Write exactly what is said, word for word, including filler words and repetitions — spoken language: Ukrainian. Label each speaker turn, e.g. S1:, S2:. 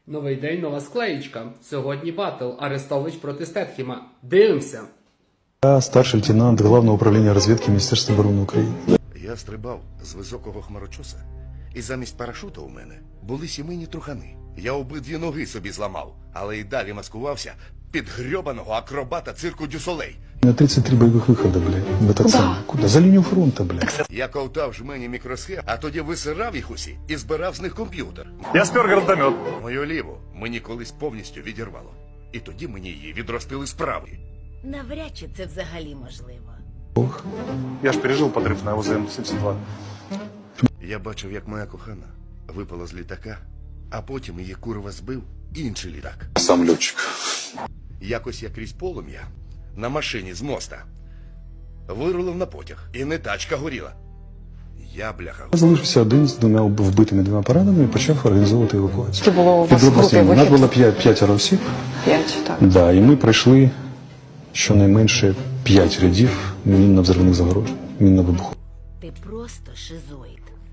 S1: Новий день, нова склеїчка. Сьогодні батл Арестович проти Стетхіма. Дивимося.
S2: Я старший лейтенант Главного управління розвідки Міністерства оборони України.
S3: Я стрибав з високого хмарочоса, і замість парашута у мене були сімейні трухани. Я обидві ноги собі зламав, але й далі маскувався під грьобаного акробата цирку Дюсолей.
S2: На тридцать три бойових виходи, бля. В этот самый. Куда? За лінію фронту, бля.
S3: Я ковтав жмені мікросхем, а тоді висирав їх усі і збирав з них комп'ютер.
S4: Я спер гранатомет.
S3: Мою ліву мені колись повністю відірвало. І тоді мені її відростили з правої.
S5: Навряд чи це взагалі можливо.
S2: Ох.
S4: Я ж пережил подрыв на ОЗМ сімдесят два.
S3: Я бачив, як моя кохана випала з літака, а потім її курва збив інший літак.
S2: Сам льотчик.
S3: Якось я крізь полум'я на машині з моста вирулив на потяг, і не тачка горіла. Я, бляха,
S2: Я залишився один з двома вбитими двома пораненими і почав організовувати евакуацію.
S6: Це було у вас
S2: Під обласним.
S6: групи
S2: У нас
S6: вихід?
S2: було п'ять, п'ятеро осіб.
S6: П'ять, так.
S2: Да, і ми пройшли щонайменше п'ять рядів мінно-взривних загорожень, мінно-вибуху.
S5: Ти просто шизоїд.